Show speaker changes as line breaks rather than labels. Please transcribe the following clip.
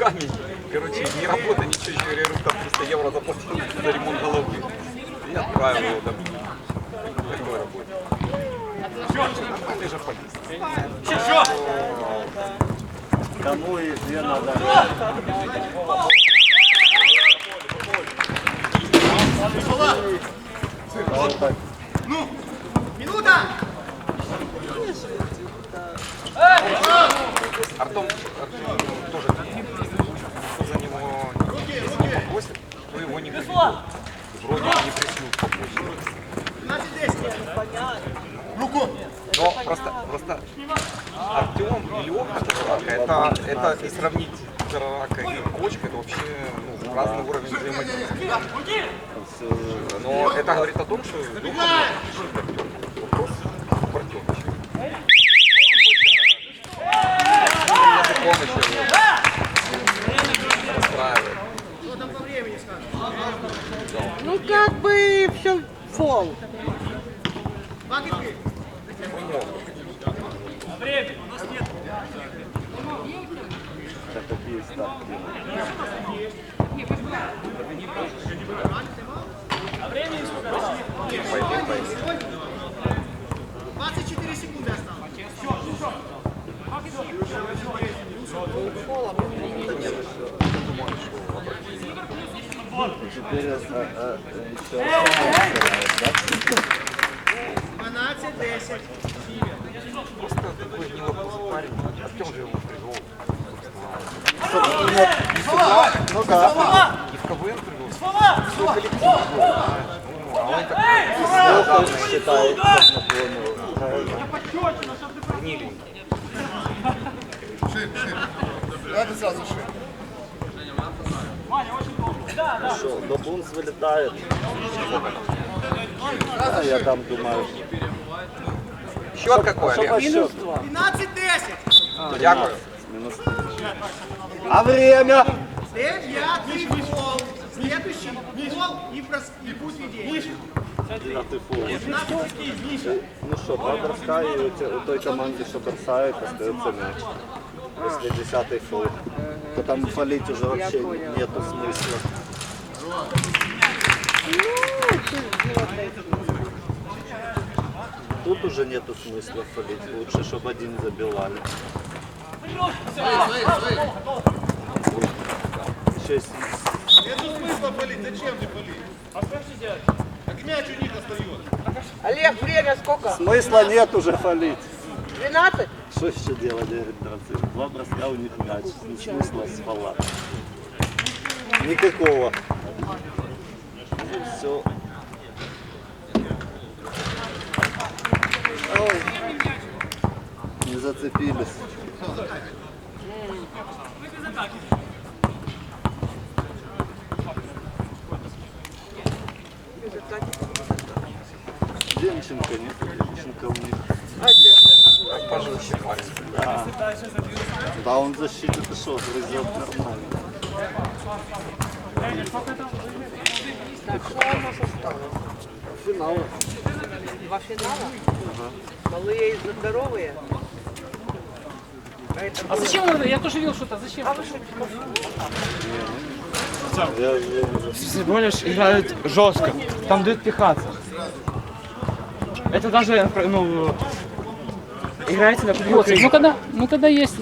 камень. Короче, не работа, ничего, еще говорю, там 300 евро заплатил за ремонт головы. И отправил его домой. Такой работе. Ты же полиция.
Кому и где надо?
Ну, минута!
Артем тоже кто за него попросит, то его не приведет. Вроде не пришлют попросить.
12-10. Руку!
Но просто Артем и Леха Жарака, это и сравнить Жарака и Кочка, это вообще разный уровень взаимодействия. Но это говорит о том, что Леха вопрос в Артемовиче. Помощь расстраивает.
Что там по времени скажешь?
Ну как бы все фол.
Бакетки?
Время, у нас нет.
Так какие ставки?
А времени сколько?
24 секунды осталось.
Теперь еще
12-10.
Просто такой неловкий парень. Артем же его привел.
Ну да.
И в КВН привел. Все коллектив был, знаешь. А он такой
Считает, как
гниленький.
Давайте сразу шире.
Что, до Бунс вылетает. А я там думаю.
Счет какой, Олег?
Счет?
12-10.
Дякую.
Минус. А время?
Девятый гол. Следующий гол и путь ведения.
Девятый фул. Ну что, два броска и у той команды, что бросает, остается мяч. Если 10-й фул, то там фалить уже вообще нету смысла. Тут уже нету смысла фалить. Лучше, чтобы один забивали. Еще есть...
Нету смысла палить, зачем ты палить?
А что же делать?
Так мяч у них остается.
Олег, время сколько?
Смысла нет уже фалить.
12?
Что еще делать, говорит Дранцев? Два броска у них мяч. Ни смысла спала. Никакого. Все. Ой. Не зацепились. Демченко нет, Демченко у них.
Пожестче парень.
Да. Да, он защиту это что, грызет нормально.
Так, что у нас осталось?
Финал.
Два финала? Малые и здоровые?
А зачем он? Я тоже видел что-то. Зачем?
А вы что,
Я уже...
Всего лишь играют жестко, там дают пихаться. Это даже, ну, играете на
Ну когда есть